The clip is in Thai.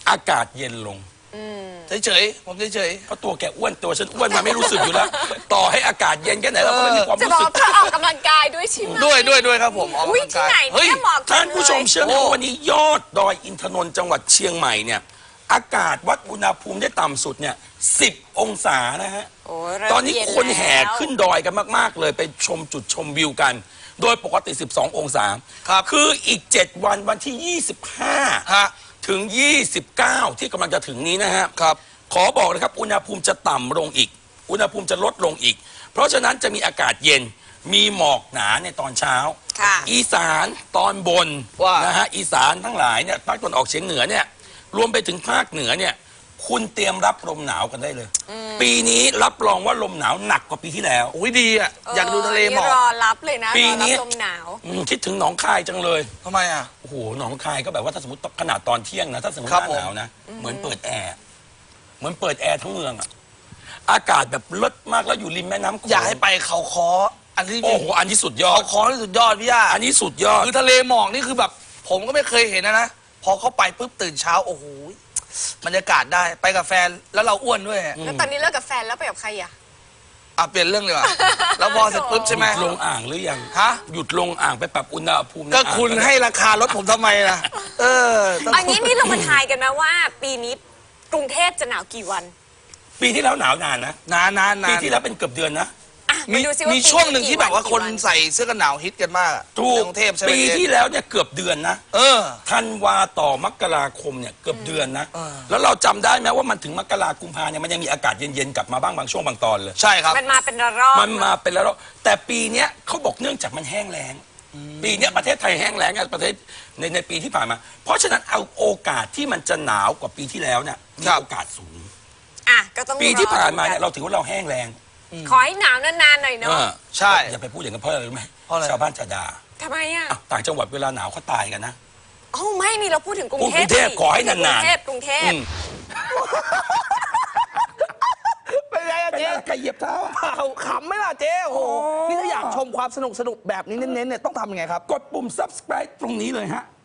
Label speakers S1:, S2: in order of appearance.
S1: อากาศเย็นลง
S2: เฉยๆผมเฉย
S1: เพราะตัวแกอ้วนตัวฉันอ้วนมาไม่รู้สึกอยู่แล้ว ต่อให้อากาศเย็นแค่ไหนเราก็ไม่มีความ
S3: จะ
S1: รู้
S3: บอ
S1: สึ
S3: ก
S1: ก
S3: เธอออกกำลังกายด้วยใช่ไหม
S2: ด้วยครับผมออก
S3: อุ้ย
S2: กำลัง
S3: ที่
S2: กาย
S3: ไหนเนี่ยเหมาะจังเลย
S1: ท่านผู้ชมเชื่อไหมว่าวันนี้ยอดดอยอินทนนท์จังหวัดเชียงใหม่เนี่ยอากาศวัดอุณหภูมิได้ต่ำสุดเนี่ย10 องศานะฮะ
S3: โยเริ่ม
S1: ตอนนี้
S3: เย็
S1: คนแห่
S3: แล้ว
S1: ขึ้นดอยกันมากๆเลยไปชมจุดชมวิวกัน โดยปกติ 12 องศา
S2: ครับ
S1: คืออีก 7 วันวันที่ 25
S2: ฮะ
S1: ถึง 29 ที่กำลังจะถึงนี้นะฮะ
S2: ครับ
S1: ขอบอกเลยครับอุณหภูมิจะต่ำลงอีก อุณหภูมิจะลดลงอีก เพราะฉะนั้นจะมีอากาศเย็นมีหมอกหนาในตอนเช้า
S3: ค่ะ
S1: อีสานตอนบน
S2: ว่า
S1: นะฮะอีสานทั้งหลายเนี่ยภาคตะวันออกเฉียงเหนือเนี่ยรวมไปถึงภาคเหนือเนี่ยคุณเตรียมรับลมหนาวกันได้เลย ปีนี้รับรองว่าลมหนาวหนักกว่าปีที่แล้ว
S2: อุ้ยดีอ่ะอยากดูทะเลหมอก
S3: รอรับเลยนะ
S1: ปี
S3: รอ
S1: นี้
S3: รับลมหนาว
S1: คิดถึงหนองคายจังเลย
S2: ทำไมอ่ะ
S1: โอ้โหหนองคายก็แบบว่าถ้าสมมติขนาดตอนเที่ยงนะถ้าสมมติ
S2: ครับ
S1: หน้าหนาวนะเหมือนเปิดแอร์เหมือนเปิดแอร์ทั้งเมืองอะอากาศแบบเลิศมากแล้วอยู่ริมแม่น้ำโขง
S2: อยากให้ไปเขาคออันที่
S1: โอ้โหอันนี้สุดยอ
S2: เขา
S1: ด
S2: คอที่สุดยอดพี่ย่า
S1: อันนี้สุดยอด
S2: คือทะเลหมอกนี่คือแบบ ผมก็ไม่เคยเห็นนะพอเข้าไปปุ๊บตื่นเช้าโอ้โหบรรยากาศได้ไปกับแฟนแล้วเราอ้วนด้วย
S3: แล้วตอนนี้เลิกกับแฟนแล้วไปกับใครอ่ะ
S2: อ่ะเปลี่ยนเรื่องเลยว่ะแล้วพอเสร็จปุ๊บใช่ไหม
S1: ลงอ่างหรือยัง
S2: ฮะ
S1: หยุดลงอ่างไปปรับอุณหภูมิใน
S2: ก็
S1: อ่าง
S2: คุณให้ราคารถผมทำไมล่ะต้อง
S3: อันนี้นี่เรามาทายกันนะว่า ปีนี้กรุงเทพจะหนาวกี่วัน
S1: ปีที่แล้วหนาวนานนะ
S2: นาน
S1: ปีที่แล้วเป็นเกือบเดือนนะ
S3: อ่ะ
S2: มี
S3: มาดูซิว่า
S2: มี
S3: ปี
S2: ช่วงหนึ่งที่แบบว่า
S3: กี่
S2: คน
S3: กี่
S2: ใส่เสื้อกันหนาวฮิตกันมากอะ
S1: ถูก
S2: ในกรุงเทพใช่ไหม
S1: ปีที่แล้วเนี่ยเกือบเดือนนะ
S2: เออ
S1: ธันวาต่อมกราคมเนี่ยเกือบเดือนนะ
S2: เออ
S1: แล้วเราจำได้ไหมว่ามันถึงมกรากุมภาเนี่ยมันยังมีอากาศเย็นๆกลับมาบ้างบางช่วงบางตอนเลย
S2: ใช่ครับ
S3: มันมาเป็นระลอก
S1: มันมาเป็นแล้ว แต่ปีเนี้ยเขาบอกเนื่องจากมันแห้งแล้งปีเนี้ยประเทศไทยแห้งแล้งอะประเทศในปีที่ผ่านมา เพราะฉะนั้นเอาโอกาสที่มันจะหนาวกว่าปีที่แล้วเนี่ยมี
S2: ครับ
S1: โอกาสสูง
S3: อ่ะก็ต้อง
S1: ปีที่ผ่านมา
S3: รอ
S1: เนี่ยเราถือว่าเราแห้งแรง
S3: ขอให้หนาวนานๆหน่อยเนาะ
S2: ใช่
S1: อย่าไปพูดอย่างนั้นเพราะอะไรรู้ไหม
S2: เพราะอะไร
S1: ชาวบ้านจะด่า
S3: ทำไมอ่ะ
S1: อ้าวต่างจังหวัดเวลาหนาวเขาตายกันนะ
S3: อ๋อไม่นี่เราพูดถึงกรุงเทพ
S1: กรุงเทพ
S3: สิ
S1: ขอให้นานๆ
S3: กรุงเทพกรุงเทพ
S1: อืม
S2: เป็นไงอะ
S1: เป็น
S2: เจ๊
S1: อะไรใครเหยียบเท้าอะ
S2: ขำไหมล่ะเจ๊โอ้โห
S1: อ๋อ
S2: นี่ถ้าอยากชมความสนุกแบบนี้เน้นๆเนี่ยต้องทำยังไงครับ
S1: กดปุ่ม subscribe ตรงนี้เลยฮะ